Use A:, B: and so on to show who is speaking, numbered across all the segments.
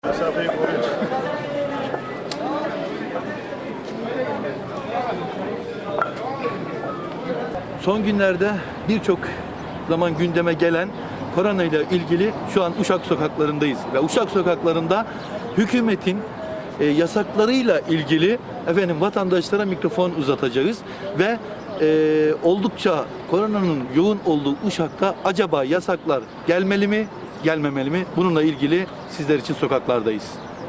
A: Mesafeyi koruyun.
B: Son günlerde birçok zaman gündeme gelen korona ile ilgili şu an Uşak sokaklarındayız ve Uşak sokaklarında hükümetin yasaklarıyla ilgili vatandaşlara mikrofon uzatacağız ve oldukça koronanın yoğun olduğu Uşak'ta acaba yasaklar gelmeli mi, gelmemeli mi? Bununla ilgili sizler için sokaklardayız.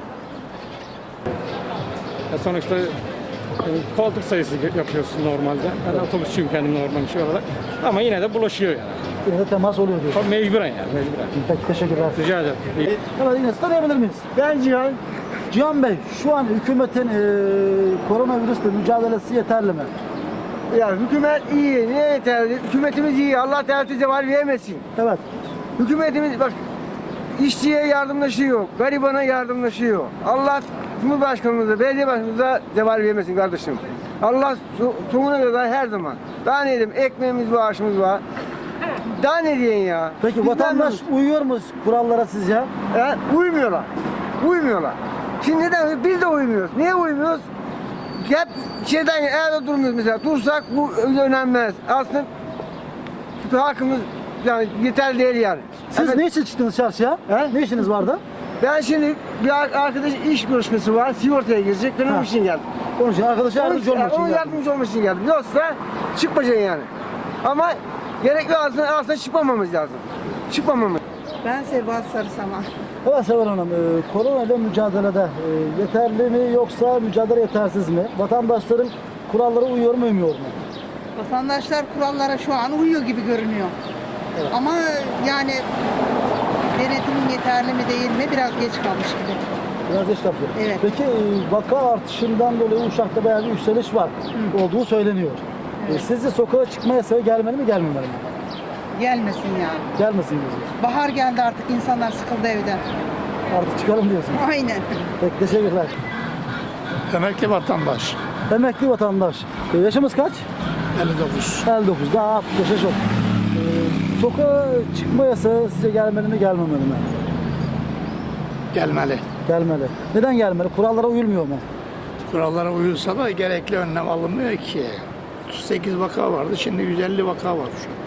C: Sonuçta koltuk sayısı yapıyorsun normalde. Ben otobüsçüyüm kendim normal şey olarak. Ama yine de bulaşıyor yani.
D: Yine de temas oluyor diyorsun.
C: Mecburen yani, mecburen.
D: Peki, teşekkürler.
C: Rica ederim.
D: Evet, yine tanıyabilir miyiz?
E: Ben Cihan.
D: Cihan Bey, şu an hükümetin koronavirüsle mücadelesi yeterli mi?
E: Ya hükümet iyi, niye yeterli? Hükümetimiz iyi, Allah devlete zeval vermesin.
D: Evet.
E: Hükümetimiz bak, işçiye yardımlaşıyor, garibana yardımlaşıyor. Allah Cumhurbaşkanımıza, belediye başkanımıza zeval vermesin kardeşim. Allah sonuna kadar her zaman. Daha ne diyeyim, ekmeğimiz var, aşımız var. Daha ne diyeyim ya?
D: Peki
E: Biz
D: vatandaş
E: memnunuz.
D: uyuyor mu kurallara sizce?
E: Uymuyorlar. Uymuyorlar. Şimdi neden? Biz de uymuyoruz. Niye uymuyoruz? Hep şeyden evde durmuyoruz mesela. Dursak bu önemli. Aslında halkımız yani yeterli değil yani.
D: Siz
E: Evet.
D: ne için çıktınız çarşıya?
E: He?
D: Ne işiniz vardı?
E: Ben şimdi bir arkadaş iş görüşmesi var. Sigortaya girecek. Ben
D: Ha.
E: onun için geldim.
D: Onun için arkadaşa yardımcı olmak için
E: Onun
D: geldiniz.
E: yardımcı olmak için geldim. Yoksa çıkmayacaksın yani. Ama gerekli aslında çıkmamamız lazım. Çıkmamamız.
F: Ben Sebahat Sarısama.
D: Evet Seval Hanım, korona ile mücadelede yeterli mi yoksa mücadele yetersiz mi? Vatandaşların kurallara uyuyor mu uymuyor mu?
F: Vatandaşlar kurallara şu an uyuyor gibi görünüyor. Ama yani denetimin yeterli mi değil mi biraz geç kalmış gibi.
D: Biraz geç yapıyor.
F: Evet.
D: Peki vaka artışından dolayı Uşak'ta bayağı bir yükseliş var olduğu söyleniyor. Sizce sokağa çıkma yasağı gelmeli mi gelmemeli mi?
F: Gelmesin ya.
D: Gelmesin diyorsunuz.
F: Bahar geldi artık insanlar sıkıldı evden.
D: Artık çıkalım diyorsunuz.
F: Aynen.
D: Peki teşekkürler.
C: Emekli vatandaş.
D: Emekli vatandaş. Yaşımız kaç?
C: 59.
D: 59. Daha 65'e çok. Sokağa çıkma yasağı sizce gelmeli mi gelmemeli mi?
G: Gelmeli.
D: Gelmeli. Neden gelmeli? Kurallara uyulmuyor mu?
G: Kurallara uyulsa da gerekli önlem alınmıyor ki. 38 vaka vardı, şimdi 150 vaka var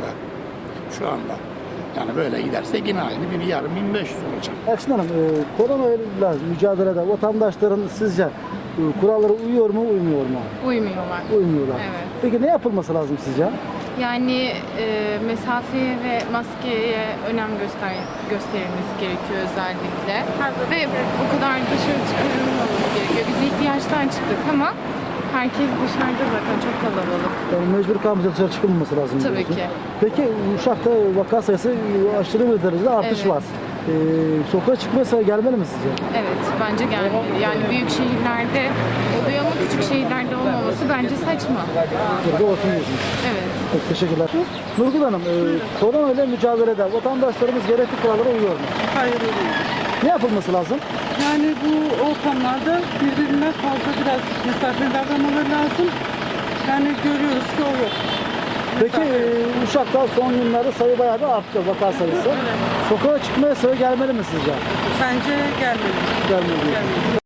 G: şu anda. Yani böyle giderse yine aynı yarın 1500 olacak.
D: Elçin Hanım, korona ile mücadelede vatandaşların sizce kurallara uyuyor mu uymuyor mu?
H: Uymuyorlar.
D: Uymuyorlar.
H: Evet.
D: Peki ne yapılması lazım sizce?
H: Yani mesafeye ve maskeye önem gösterilmesi gerekiyor özellikle. Ve bu kadar dışarı çıkarılmaması gerekiyor. Biz ihtiyaçtan çıktık ama herkes dışarıda zaten çok kalabalık.
D: Yani mecbur kalmayınca dışarı çıkılmaması lazım
H: Tabii
D: diyorsun.
H: ki.
D: Peki Uşak'ta vaka sayısı aşırı bir derecede artış
H: Evet.
D: var. Sokağa çıkma yasağı gelmeli mi sizce?
H: Evet, bence gelmeli. Yani büyük şehirlerde oluyor ama küçük şehirlerde olmaması bence saçma.
D: Burada olsun diyorsunuz.
H: Evet.
D: Peki, teşekkürler. Nurgül Hanım, korona ile mücadelede vatandaşlarımız gerekli kurallara uyuyor mu?
I: Hayır öyle.
D: Ne yapılması lazım?
I: Yani bu ortamlarda birbirine fazla biraz mesafeli davranmaları lazım. Yani görüyoruz ki o yok.
D: Peki Uşak'ta son günlerde sayı bayağı da arttı, vaka sayısı. Sokağa çıkma yasağı gelmeli mi sizce?
I: Bence gelmeli.
D: Gelmeli.